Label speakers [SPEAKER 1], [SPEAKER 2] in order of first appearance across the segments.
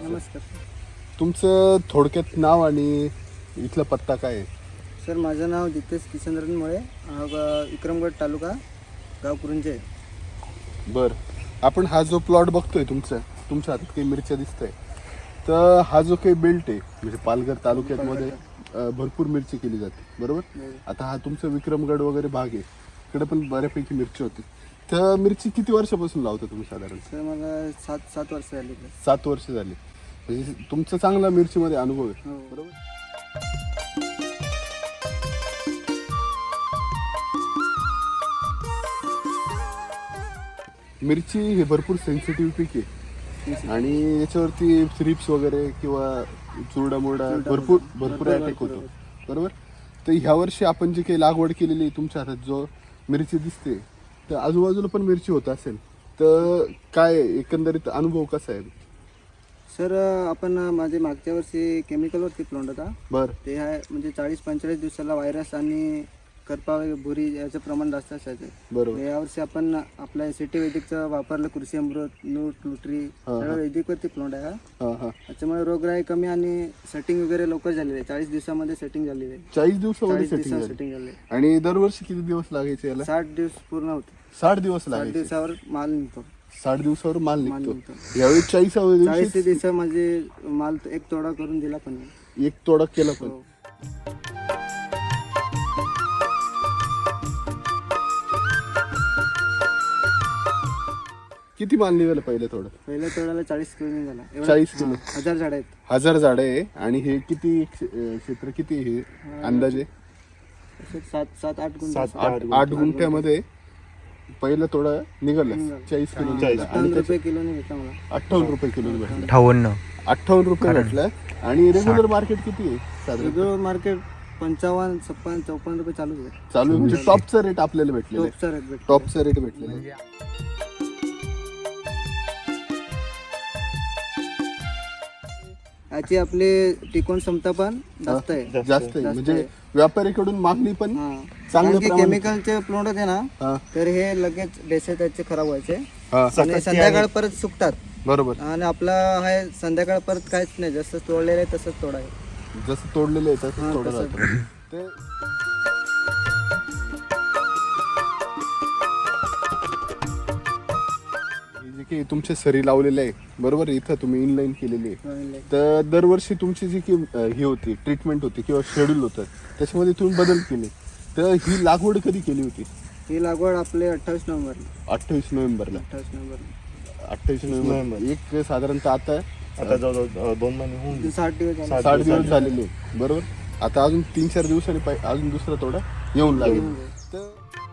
[SPEAKER 1] नमस्कार
[SPEAKER 2] तुमचं थोडक्यात नाव आणि इथला पत्ता काय आहे?
[SPEAKER 1] सर, माझं नाव जितेश किशनरन मुळे, विक्रमगड तालुका, गाव कुरुंजे.
[SPEAKER 2] बरं, आपण हा जो प्लॉट बघतोय तुमच्या हातात काही मिरच्या दिसतंय, तर हा जो काही बेल्ट आहे म्हणजे पालघर तालुक्यामध्ये भरपूर मिरची केली जाते बरोबर. आता हा तुमचा विक्रमगड वगैरे भाग आहे, इकडे पण बऱ्यापैकी मिरची होती. तर मिरची किती वर्षापासून लावता तुम्ही साधारण?
[SPEAKER 1] सर, मला सात वर्ष झाली.
[SPEAKER 2] 7 वर्ष झाली. म्हणजे तुमचा चांगला मिरचीमध्ये अनुभव आहे
[SPEAKER 1] हो.
[SPEAKER 2] बरोबर. मिरची हे भरपूर सेन्सिटिव्ह पीक आहे आणि याच्यावरती थ्रिप्स वगैरे किंवा चुरडा भरपूर अटॅक होतो बरोबर. तर ह्या वर्षी आपण जे काही लागवड केलेली आहे तुमच्या हातात जो मिरची दिसते, तर आजूबाजूला पण मिरची होत असेल, तर काय एकंदरीत अनुभव कसा आहे?
[SPEAKER 1] सर, आपण माझे मागच्या वर्षी केमिकलवरती प्लॉट होता.
[SPEAKER 2] बरं.
[SPEAKER 1] ते आहे म्हणजे 40-45 दिवसाला व्हायरस आणि करपा भुरी याचं प्रमाण जास्त असायचं.
[SPEAKER 2] बरोबर.
[SPEAKER 1] यावर्षी आपण आपल्या सिटी वैदिकचं वापरलं, कृषी अमृत, न्यूट्री, सगळं वैदिकवरती प्लॉट आहे हा. त्याच्यामुळे रोगराई कमी आणि सेटिंग वगैरे लवकर झालेली आहे. 40 दिवसामध्ये सेटिंग झालेली आहे.
[SPEAKER 2] 40 दिवसामध्ये
[SPEAKER 1] 40
[SPEAKER 2] सेटिंग
[SPEAKER 1] दिवसात सेटिंग झाली.
[SPEAKER 2] आणि दरवर्षी किती दिवस लागायचे याला?
[SPEAKER 1] 60 दिवस पूर्ण होते.
[SPEAKER 2] 60 दिवस
[SPEAKER 1] 60
[SPEAKER 2] लागायचे.
[SPEAKER 1] दिवसावर माल निघतो.
[SPEAKER 2] 60 दिवसावर माल निघतो.
[SPEAKER 1] निघतो.
[SPEAKER 2] यावेळी 40व्या दिवशी
[SPEAKER 1] 40 दिवसा म्हणजे माल एक तोडा करून दिला पण नाही.
[SPEAKER 2] एक तोडा केला पण.
[SPEAKER 1] हो.
[SPEAKER 2] किती माल निघाला पहिल्या
[SPEAKER 1] पहिल्या तोड्याला 40 किलो निघाला.
[SPEAKER 2] 40 किलो.
[SPEAKER 1] 1000 झाड आहेत.
[SPEAKER 2] 1000 झाडं आहे. आणि हे किती क्षेत्र किती आहे हे अंदाजे?
[SPEAKER 1] 7-8 गुंठ.
[SPEAKER 2] 8 गुंठ्यामध्ये पहिला तोडा निघाला 40 किलो निघाला. आणि
[SPEAKER 1] 58 रुपये किलोने भेटला मला.
[SPEAKER 2] 58 रुपये किलो भेटला.
[SPEAKER 3] 58
[SPEAKER 2] रुपये भेटला. आणि रेग्युलर मार्केट किती आहे साधारण?
[SPEAKER 1] रेग्युलर मार्केट 55, 56, 54 रुपये चालू आहे.
[SPEAKER 2] चालू आहे. म्हणजे टॉपचा रेट आपल्याला भेटलेला आहे.
[SPEAKER 1] टॉपचा रेट भेटतो.
[SPEAKER 2] टॉपचा रेट भेटलेला आहे.
[SPEAKER 1] याची आपली टिकवून क्षमता पण जास्त आहे.
[SPEAKER 2] जास्त आहे. म्हणजे व्यापाऱ्याकडून मागणी पण चांगल्या प्रमाणात.
[SPEAKER 1] केमिकलचे प्लॉट होते ना,
[SPEAKER 2] हा.
[SPEAKER 1] तर हे लगेच डेसे त्याचे खराब व्हायचे
[SPEAKER 2] हा.
[SPEAKER 1] आणि संध्याकाळ परत सुकतात.
[SPEAKER 2] बरोबर.
[SPEAKER 1] आणि आपला आहे संध्याकाळ परत काहीच नाही, जसं तोडलेलं आहे तसंच तोडा आहे.
[SPEAKER 2] जसं तोडलेलं आहे तसं तोडा
[SPEAKER 1] तसंच.
[SPEAKER 2] राहतं. ते हे जे काही तुमचे सरी लावलेले आहे बरोबर, इथं तुम्ही इनलाईन केलेली आहे, तर दरवर्षी तुमची जी की ही होती ट्रीटमेंट होती किंवा शेड्यूल होतं त्याच्यामध्ये तुम्ही बदल केले. तर ही लागवड कधी केली होती?
[SPEAKER 1] ही लागवड आपले 28 नोव्हेंबरला.
[SPEAKER 2] 28 नोव्हेंबरला.
[SPEAKER 1] 28 नोव्हेंबर.
[SPEAKER 2] एक साधारणतः आता
[SPEAKER 3] जवळजवळ 2 महिने होऊन गेले.
[SPEAKER 1] 60 दिवस झाले.
[SPEAKER 2] 60 दिवस झालेले आहे. बरोबर. आता अजून 3-4 दिवसांनी अजून दुसरा तोडा येऊन लागेल. तर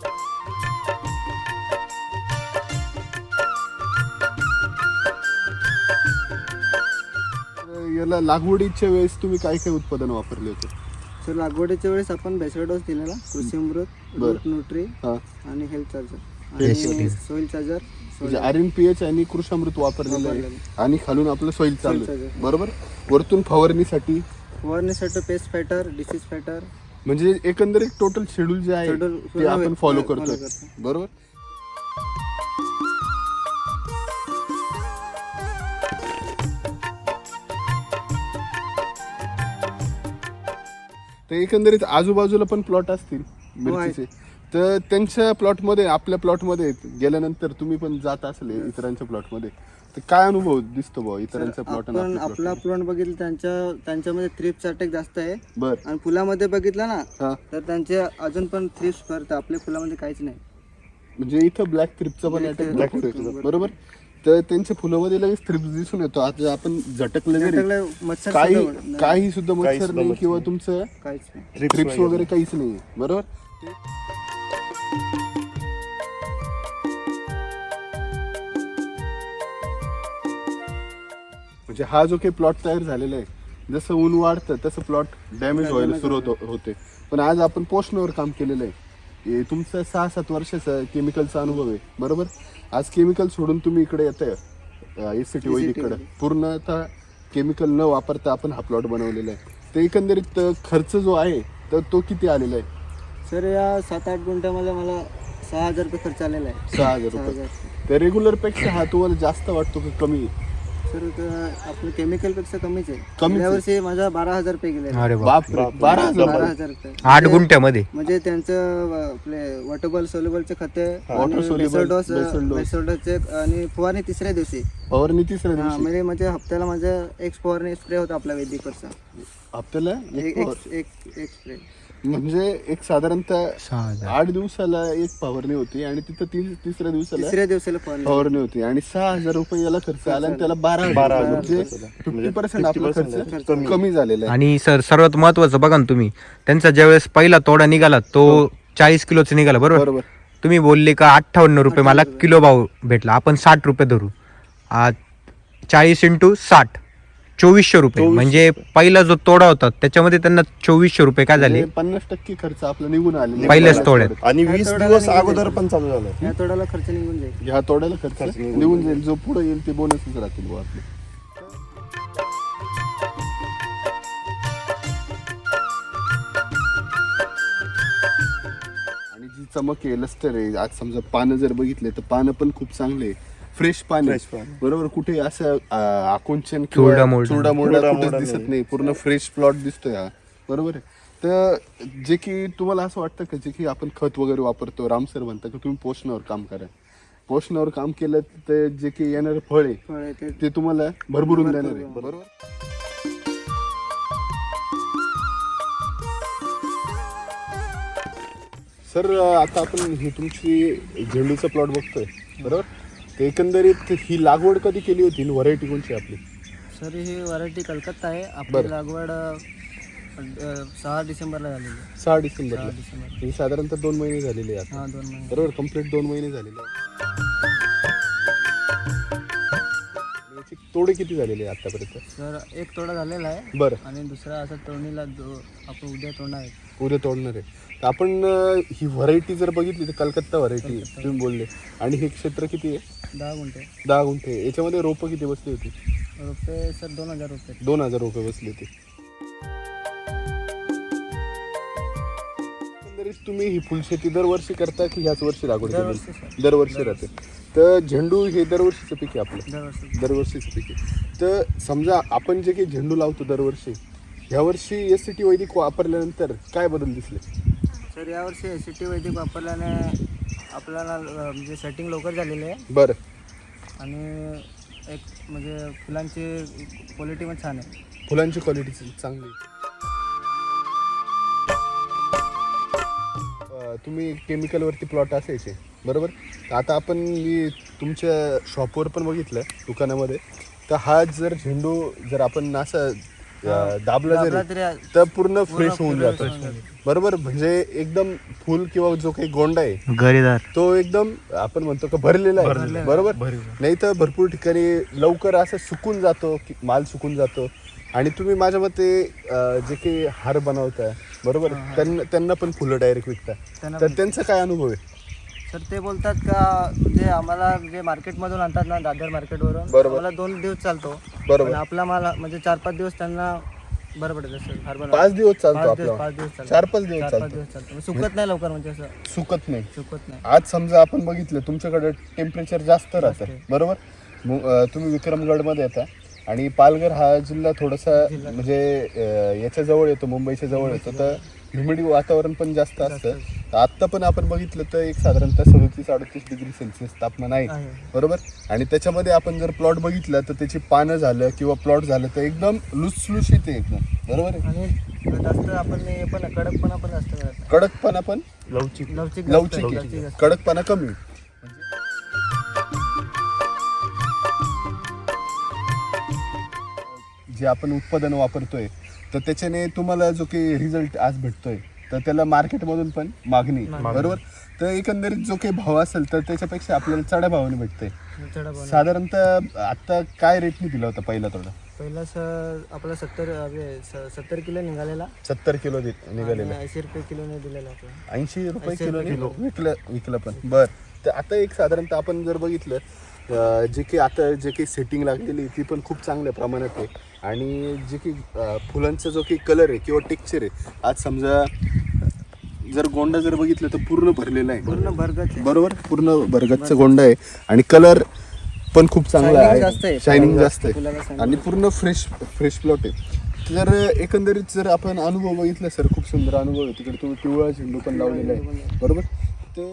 [SPEAKER 2] याला लागवडीच्या वेळेस तुम्ही काय काय उत्पादन वापरले होते?
[SPEAKER 1] तर लागवडीच्या वेळेस आपण बेसळ डोस दिलेला, कृषी अमृत, न्यूट्री
[SPEAKER 2] हा.
[SPEAKER 1] आणि हेल्थ चार्जर आणि सॉइल चार्जर.
[SPEAKER 2] म्हणजे RNPH आणि कृषामृत वापरलेलं आहे आणि खालून आपलं सॉइल चालू आहे बरोबर. वरतून फवारणीसाठी
[SPEAKER 1] पेस्ट फायटर, डिसीज फायटर.
[SPEAKER 2] म्हणजे एकंदरीत टोटल शेड्यूल जे आहे ते आपण फॉलो करतोय बरोबर. तर एकंदरीत आजूबाजूला पण प्लॉट असतील मिरचीचे, तर त्यांच्या प्लॉटमध्ये आपल्या प्लॉटमध्ये गेल्यानंतर तुम्ही पण जात असेल इतरांच्या प्लॉटमध्ये, तर काय अनुभव दिसतो भाऊ इतरांच्या प्लॉट?
[SPEAKER 1] आपण आपला प्लॉट बघितलं त्यांच्यामध्ये थ्रिप्स अटॅक जास्त आहे.
[SPEAKER 2] बर.
[SPEAKER 1] आणि फुलामध्ये बघितलं ना तर त्यांचे अजून पण थ्रिप्स करतात. आपल्या फुलामध्ये काहीच नाही.
[SPEAKER 2] म्हणजे इथं ब्लॅक थ्रिप्सचा पण अटॅक बरोबर. तर त्यांच्या फुलामध्ये लगेच थ्रिप्स दिसून येतो. आता आपण झटकलं जरी
[SPEAKER 1] मच्छर
[SPEAKER 2] काही सुद्धा मच्छर नाही किंवा तुमचं
[SPEAKER 1] काहीच नाही,
[SPEAKER 2] थ्रिप्स वगैरे काहीच नाही बरोबर. म्हणजे हा जो काही प्लॉट तयार झालेला आहे, जसं ऊन वाढतं तसं प्लॉट डॅमेज व्हायला सुरुवात होते. पण आज आपण पोषणावर काम केलेलं आहे. हे तुमचा 6-7 वर्षाचा केमिकलचा अनुभव आहे बरोबर. आज केमिकल सोडून तुम्ही इकडे येताय SCT वैदिककडे, पूर्णतः केमिकल न वापरता आपण हा प्लॉट बनवलेला आहे. तर एकंदरीत खर्च जो आहे तर तो किती आलेला आहे?
[SPEAKER 1] सर, या 7-8 गुंठ्यामध्ये मला 6,000 रुपये खर्च आलेला आहे.
[SPEAKER 2] 6,000 रुपये. तर रेग्युलर पेक्षा हा तुम्हाला जास्त वाटतो की कमी?
[SPEAKER 1] सर आपलं केमिकल पेक्षा कमीच आहे.
[SPEAKER 2] कमीच
[SPEAKER 1] गेल्या
[SPEAKER 2] आहे.
[SPEAKER 1] वर्षी माझा 12,000 रुपये गेले.
[SPEAKER 4] अरे बाप.
[SPEAKER 2] बापरे 12,000
[SPEAKER 1] 12,000 रुपये
[SPEAKER 4] 8 गुंठ्यामध्ये.
[SPEAKER 1] म्हणजे त्यांचं आपले वॉटरबॉल सोल्युबलचे खते
[SPEAKER 2] Water soluble,
[SPEAKER 1] बेसोडोसचे आणि फवारणी तिसऱ्या दिवशी.
[SPEAKER 2] फवारणी तिसऱ्या दिवशी
[SPEAKER 1] म्हणजे हप्त्याला माझ्या एक फवारणी स्प्रे होता आपला वैदिकवरचा.
[SPEAKER 2] हप्त्याला
[SPEAKER 1] एक स्प्रे
[SPEAKER 2] म्हणजे एक साधारणतः
[SPEAKER 4] 6,000.
[SPEAKER 2] 8 दिवसाला एक फवारणी होती आणि तिथं तिसऱ्या
[SPEAKER 1] दिवसाला फवारणी.
[SPEAKER 2] फवारणी होती आणि 6,000 रुपये याला खर्च आला आणि त्याला 12,000 म्हणजे 50% आपला खर्च कमी झालेला आहे.
[SPEAKER 4] आणि सर सर्वात महत्वाचं बघा ना तुम्ही, त्यांचा ज्यावेळेस पहिला तोडा निघाला तो 40 किलोचा निघाला, बरोबर.
[SPEAKER 2] बरोबर
[SPEAKER 4] तुम्ही बोलले का 58 रुपये मला किलो भाव भेटला. आपण 60 रुपये धरू, 40 × 60 2400 रुपये. म्हणजे पहिला जो तोडा होता त्याच्यामध्ये त्यांना 2400 रुपये काय झाले
[SPEAKER 2] 50% खर्च आपला निघून आले
[SPEAKER 4] पहिल्याच तोड्यात.
[SPEAKER 3] आणि 20 दिवस अगोदर पण चालू झालं.
[SPEAKER 1] या तोड्याला खर्च निघून जाईल.
[SPEAKER 2] ह्या तोड्याला खर्च निघून जाईल. जो पुढे येईल ते बोनसच राहतील बुवा आपले. आणि जी चमक आहे, लस्टर आहे, आज समजा पानं जर बघितले तर पानं पण खूप चांगले फ्रेश पानं, बरोबर. कुठे असं आकुंचन
[SPEAKER 4] चुरडा मोरडा.
[SPEAKER 2] चुरडा मोरडा कुठेच दिसत नाही. पूर्ण फ्रेश प्लॉट दिसतोय हा, बरोबर आहे. तर जे की तुम्हाला असं वाटतं का जे की आपण खत वगैरे वापरतो, राम सर म्हणतात की तुम्ही पोषणावर काम करा. पोषणावर काम केलं तर जे की येणारं फळ आहे ते तुम्हाला भरभरून देणार आहे, बरोबर. सर आता आपण ही तुमची झेंडूचा प्लॉट बघतोय, बरोबर. ते एकंदरीत ही लागवड कधी केली होती, व्हरायटी कोणची आपली?
[SPEAKER 1] सर ही व्हरायटी कलकत्ता आहे. आपली लागवड 6 डिसेंबरला झालेली आहे.
[SPEAKER 2] 6 डिसेंबरला.
[SPEAKER 1] 6 डिसेंबर.
[SPEAKER 2] ही साधारणतः 2 महिने झालेले आहेत.
[SPEAKER 1] हा 2 महिने.
[SPEAKER 2] बरोबर, कम्प्लीट 2 महिने झालेले आहेत. याची तोडे किती झालेले आहे आतापर्यंत?
[SPEAKER 1] सर एक तोडा झालेला आहे
[SPEAKER 2] बरं,
[SPEAKER 1] आणि दुसरा असा तोडणीला आपण उद्या तोडणार आहे.
[SPEAKER 2] उद्या तोडणार आहे. तर आपण ही व्हरायटी जर बघितली तर कलकत्ता व्हरायटी तुम्ही बोलले. आणि हे क्षेत्र किती आहे?
[SPEAKER 1] 10 गुंठे.
[SPEAKER 2] 10 गुंठे. याच्यामध्ये रोपं किती बसली होती?
[SPEAKER 1] रुपये सर 2,000 रुपये.
[SPEAKER 2] 2,000 रुपये बसली होती. एकंदरीत तुम्ही ही फुलशेती दरवर्षी करता की ह्याच वर्षी लागवड
[SPEAKER 1] दरवर्षी
[SPEAKER 2] केली?
[SPEAKER 1] सर.
[SPEAKER 2] दरवर्षी राहते. तर झेंडू हे दरवर्षीचं पीक आहे आपलं,
[SPEAKER 1] दरवर्षी.
[SPEAKER 2] दरवर्षीचं पीक आहे. तर समजा आपण जे काही झेंडू लावतो दरवर्षी, ह्यावर्षी SCT वैदिक वापरल्यानंतर काय बदल दिसले?
[SPEAKER 1] सर यावर्षी SCT वैदिक वापरल्याने आपल्याला म्हणजे सेटिंग लवकर झालेली आहे
[SPEAKER 2] बरं.
[SPEAKER 1] आणि एक म्हणजे फुलांची क्वालिटी पण छान आहे.
[SPEAKER 2] फुलांची क्वालिटी चांगली. तुम्ही केमिकलवरती प्लॉट असायचे, बरोबर. तर आता आपण मी तुमच्या शॉपवर पण बघितलं दुकानामध्ये, तर हा जर झेंडू जर आपण असं दाबला जरी तर पूर्ण फ्रेश होऊन जातो, बरोबर. म्हणजे एकदम फुल किंवा जो काही गोंडा आहे
[SPEAKER 4] गरेदार
[SPEAKER 2] तो एकदम आपण म्हणतो का भरलेला आहे, बरोबर. नाही तर भरपूर ठिकाणी लवकर असं सुकून जातो, माल सुकून जातो. आणि तुम्ही माझ्या मते जे काही हार बनवताय, बरोबर, त्यांना पण फुलं डायरेक्ट विकता, तर त्यांचा काय अनुभव आहे?
[SPEAKER 1] सर ते बोलतात का म्हणजे आम्हाला जे मार्केटमधून आणतात ना, दादर मार्केटवरून,
[SPEAKER 2] बरोबर.
[SPEAKER 1] आम्हाला 2 दिवस चालतो,
[SPEAKER 2] बरोबर.
[SPEAKER 1] आपला माल म्हणजे 4-5 दिवस त्यांना बरं पडत असेल.
[SPEAKER 2] 5 दिवस चालतो आपला,
[SPEAKER 1] 5 दिवस चालतो.
[SPEAKER 2] 4-5 दिवस
[SPEAKER 1] 4-5
[SPEAKER 2] चालतो,
[SPEAKER 1] दिवस चालतो. सुकत नाही लवकर, म्हणजे असं
[SPEAKER 2] सुकत नाही.
[SPEAKER 1] सुकत नाही.
[SPEAKER 2] आज समजा आपण बघितलं तुमच्याकडे टेम्परेचर जास्त राहतं, बरोबर. तुम्ही विक्रमगडमध्ये येता आणि पालघर हा जिल्हा थोडासा म्हणजे याच्या जवळ येतो, मुंबईच्या जवळ येतो, तर ह्युमिडिटी वातावरण पण जास्त असतं. आत्ता पण आपण बघितलं तर एक साधारणतः 37-38 डिग्री सेल्सिअस तापमान आहे, बरोबर. आणि त्याच्यामध्ये आपण जर प्लॉट बघितलं तर त्याची पानं झालं किंवा प्लॉट झालं तर एकदम लुसलुशीत आहे एकदम, बरोबर आहे.
[SPEAKER 1] आणि जास्त आपण हे पण कडकपणा पण जास्त करत नाही.
[SPEAKER 2] कडकपणा पण
[SPEAKER 1] लवचिक
[SPEAKER 2] लवचिक आहे, कडकपणा कमी. जे आपण उत्पादन वापरतोय तर त्याच्याने तुम्हाला जो काही रिझल्ट आज भेटतोय तर त्याला मार्केटमधून पण मागणी, बरोबर. तर एकंदरीत जो काही भाव असेल तर त्याच्यापेक्षा आपल्याला चढ्या भावाने भेटतंय. साधारणतः आता काय रेटने दिला होता पहिला तोडा?
[SPEAKER 1] पहिला सर आपला 70 किलो निघालेला.
[SPEAKER 2] 70 किलो निघालेला.
[SPEAKER 1] 80 रुपये किलोने दिलेला आपला.
[SPEAKER 2] 80 रुपये किलो विकलं पण. बर. तर आता एक साधारणतः आपण जर बघितलं जे काही आता जे काही सेटिंग लागलेली ती पण खूप चांगल्या प्रमाणात आहे. आणि जे काही फुलांचा जो काही कलर आहे किंवा टेक्स्चर आहे, आज समजा जर गोंडा जर बघितलं तर पूर्ण भरलेला आहे,
[SPEAKER 1] पूर्ण भरगत,
[SPEAKER 2] बरोबर. पूर्ण भरगतचा गोंडा आहे आणि कलर पण खूप चांगला
[SPEAKER 1] Shining जास्त
[SPEAKER 2] आहे,
[SPEAKER 1] आहे.
[SPEAKER 2] शायनिंग जास्त
[SPEAKER 1] फुलाला
[SPEAKER 2] आहे
[SPEAKER 1] shining
[SPEAKER 2] आणि पूर्ण फ्रेश प्लॉट आहे. तर एकंदरीत जर आपण अनुभव बघितला सर, खूप सुंदर अनुभव आहे. तिकडे तुम्ही पिवळा झेंडू पण लावलेला आहे, बरोबर. तर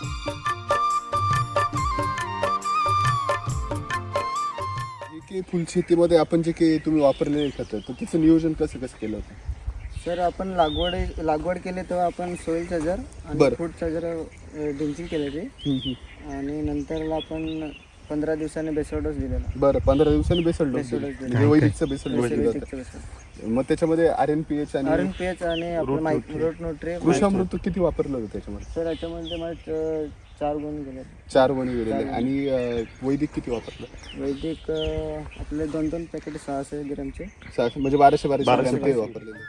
[SPEAKER 2] जे काही फुलशेतीमध्ये आपण जे काही तुम्ही वापरलेले खतं, तर त्याचं नियोजन कसं केलं होतं?
[SPEAKER 1] सर आपण लागवड केली तेव्हा आपण सोईल चार्जर आणि
[SPEAKER 2] बरं.
[SPEAKER 1] फूड चार्जर ड्रिंचिंग केले ते आणि नंतरला आपण 15 दिवसांनी बेसळ डोस दिलेला.
[SPEAKER 2] बरं, 15 दिवसांनी बेसल डोस
[SPEAKER 1] बेसल डोस
[SPEAKER 2] दिला. म्हणजे वैदिकचा बेसल डोस दिला
[SPEAKER 1] बेसिकचं
[SPEAKER 2] होता.
[SPEAKER 1] बेसल.
[SPEAKER 2] मग त्याच्यामध्ये RNPH आणि
[SPEAKER 1] RNPH आणि आपलं रोट न्यूट्री.
[SPEAKER 2] कृषामृत किती वापरलं होतं त्याच्यामध्ये?
[SPEAKER 1] सर याच्यामध्ये मला 4 गुण गेले.
[SPEAKER 2] 4 वणी गेलेले. आणि वैदिक किती वापरलं?
[SPEAKER 1] वैदिक आपले 2 पॅकेट 600 ग्रॅमचे.
[SPEAKER 2] 600 म्हणजे 1200 ग्रॅम ते वापरलेले.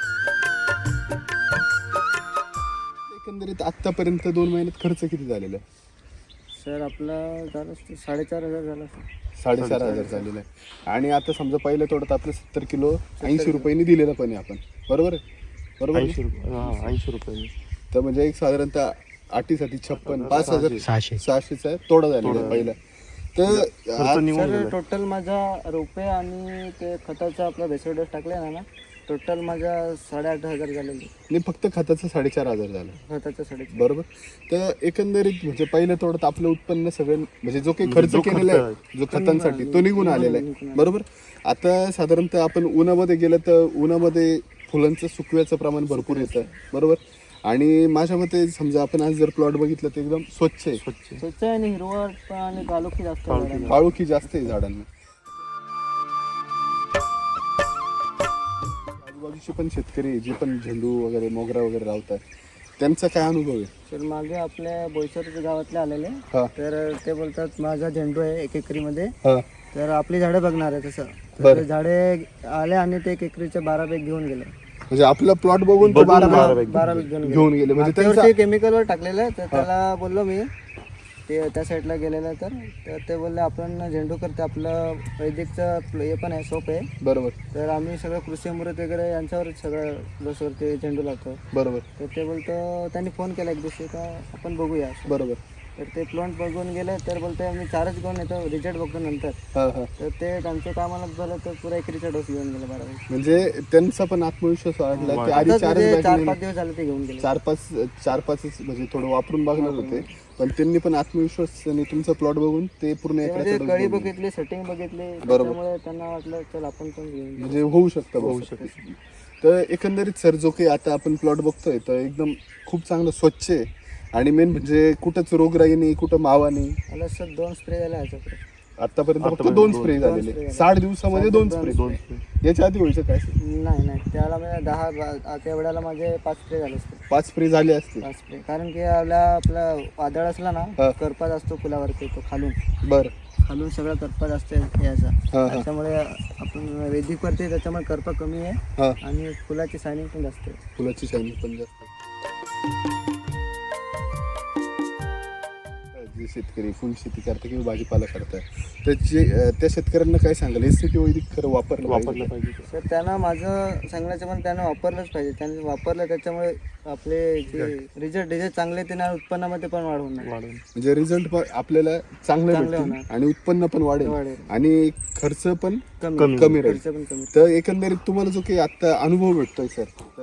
[SPEAKER 2] एकंदरीत आतापर्यंत 2 महिन्यात खर्च किती झालेला आहे?
[SPEAKER 1] सर आपला झालं 4,500 झाला सर.
[SPEAKER 2] 4,500 झालेला आहे. आणि आता समजा पहिल्या तोडत आपलं 70 किलो 80 रुपयांनी दिलेलं पण आहे आपण, बरोबर आहे? बरोबर आहे?
[SPEAKER 3] 80 रुपये.
[SPEAKER 2] तर म्हणजे एक साधारणतः 8साठी 56
[SPEAKER 4] 600.
[SPEAKER 2] 5,600चा तोडा झालेला आहे पहिला. तर
[SPEAKER 1] सर टोटल माझा रुपये आणि ते खताचा आपला बेसळ डोस टाकले ना, टोटल माझा 8,500 झालेले.
[SPEAKER 2] नाही, फक्त खताचं 4,500 झालं,
[SPEAKER 1] खताचा 4,500.
[SPEAKER 2] बरोबर. तर एकंदरीत म्हणजे पहिल्या तोडत आपलं उत्पन्न सगळं म्हणजे जो काही खर्च केलेला आहे जो खतांसाठी तो निघून आलेला आहे, बरोबर. आता साधारणतः आपण उन्हामध्ये गेलं तर उन्हामध्ये फुलांचं सुकव्याचं प्रमाण भरपूर येतं, बरोबर. आणि माझ्या मते समजा आपण आज जर प्लॉट बघितलं तर एकदम स्वच्छ आहे,
[SPEAKER 1] स्वच्छ आहे आणि हिरवळ पण आणि काळोखी जास्त आहे झाडांना.
[SPEAKER 2] काळोखी जास्त आहे झाडांना. आजूबाजूचे पण शेतकरी जे पण झेंडू वगैरे मोगरा वगैरे लावतात त्यांचा काय अनुभव आहे?
[SPEAKER 1] तर मागे आपल्या बोईसर गावातले आलेले,
[SPEAKER 2] हा.
[SPEAKER 1] तर ते बोलतात माझा झेंडू आहे 1 एकरीमध्ये,
[SPEAKER 2] हा,
[SPEAKER 1] तर आपली झाडं बघणार आहे तसं. तर
[SPEAKER 2] बरं.
[SPEAKER 1] ते झाडे आले आणि ते 1 एकरीचे 12 बॅग घेऊन गेले.
[SPEAKER 2] म्हणजे आपला प्लॉट बघून तो 12
[SPEAKER 1] 12 बॅग घेऊन गेले.
[SPEAKER 2] घेऊन गेले. म्हणजे त्यांचा
[SPEAKER 1] त्यावरती केमिकलवर टाकलेलं, तर त्याला बोललो मी ते त्या साईडला गेलेलं, तर ते बोलले आपण झेंडू करते, आपलं वैदिकचं हे पण आहे, सोप आहे.
[SPEAKER 2] बरोबर
[SPEAKER 1] तर आम्ही सगळं कृषी अमृत वगैरे यांच्यावरच सगळं डोसवरती झेंडू लावतो.
[SPEAKER 2] बरोबर
[SPEAKER 1] तर ते बोलतो, त्यांनी फोन केला एक दिवशी का आपण बघूया.
[SPEAKER 2] बरोबर.
[SPEAKER 1] तर ते प्लॉट बघून गेले, तर बोलते मी 4च घेऊन येतो, रिझल्ट बघतो नंतर.
[SPEAKER 2] हा हा.
[SPEAKER 1] तर ते त्यांच्या कामाला झालं तर पुरा एकरीचा डोस घेऊन गेला 12 दिवस.
[SPEAKER 2] म्हणजे त्यांचा पण आत्मविश्वास वाढला की आधी
[SPEAKER 1] आताच
[SPEAKER 2] 4
[SPEAKER 1] म्हणजे 4-5 दिवस झाले ते घेऊन गेले.
[SPEAKER 2] 4-5 म्हणजे थोडं वापरून बघणार होते, पण त्यांनी पण आत्मविश्वास आणि तुमचा प्लॉट बघून ते पूर्ण
[SPEAKER 1] ते म्हणजे
[SPEAKER 2] एकराचा
[SPEAKER 1] कळी
[SPEAKER 2] डोस
[SPEAKER 1] बघितली, सेटिंग बघितली, त्यामुळे त्यांना वाटलं चल आपण पण घेऊन घेऊ.
[SPEAKER 2] म्हणजे होऊ शकतं. तर एकंदरीत सर जो काही आता आपण प्लॉट बघतोय तर एकदम खूप चांगलं स्वच्छ आहे आणि मेन म्हणजे कुठंच रोगराई नाही, कुठं मावा नाही.
[SPEAKER 1] मला सर 2 स्प्रे झाले ह्याच्याकडे.
[SPEAKER 2] आतापर्यंत फक्त 2 स्प्रे झालेले, 60 दिवसामध्ये 2 स्प्रे. याच्या आधी व्हायचं काय?
[SPEAKER 1] नाही त्याला म्हणजे 10 त्या वेळेला माझे 5 स्प्रे झाले असते.
[SPEAKER 2] 5 स्प्रे झाले असते.
[SPEAKER 1] 5 स्प्रे, कारण की आपला वादळ असला ना, करपा असतो फुलावरती, तो खालून सगळा करपा जास्त याचा. त्याच्यामुळे आपण वैदिक करते, त्याच्यामुळे करपा कमी आहे आणि फुलाची शायनिंग पण जास्त आहे.
[SPEAKER 2] फुलाची शायनिंग पण जास्त. जे शेतकरी फुल शेती करतात किंवा भाजीपाला करतात तर त्या शेतकऱ्यांना काय सांगाल? SCT वैदिक खरं वापरलं पाहिजे.
[SPEAKER 1] सर त्यांना माझं सांगण्याचं पण त्यांना वापरलंच पाहिजे. त्यांनी वापरलं त्याच्यामुळे आपले जे रिझल्ट चांगले ते ना, उत्पन्नामध्ये पण वाढ होणार.
[SPEAKER 2] म्हणजे रिझल्ट आपल्याला चांगले भेटतील आणि उत्पन्न पण वाढेल आणि खर्च पण कमी राहील. तर एकंदरीत तुम्हाला जो काही आता अनुभव भेटतोय सर,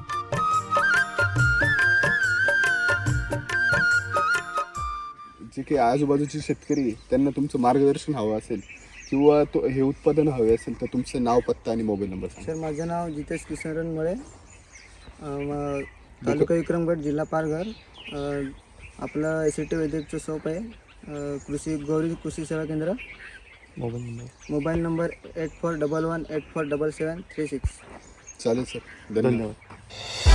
[SPEAKER 2] जे काही आजूबाजूचे शेतकरी त्यांना तुमचं मार्गदर्शन हवं असेल किंवा हे उत्पादन हवे असेल तर तुमचं नाव, पत्ता आणि मोबाईल नंबर सांगा.
[SPEAKER 1] सर माझं नाव जितेश किशोरन मुळे, तालुका विक्रमगड, जिल्हा पालघर. आपलं SCT वैदिकचं शॉप आहे, गौरी कृषी सेवा केंद्र. Mobile number 8411847736.
[SPEAKER 2] चालेल सर, धन्यवाद.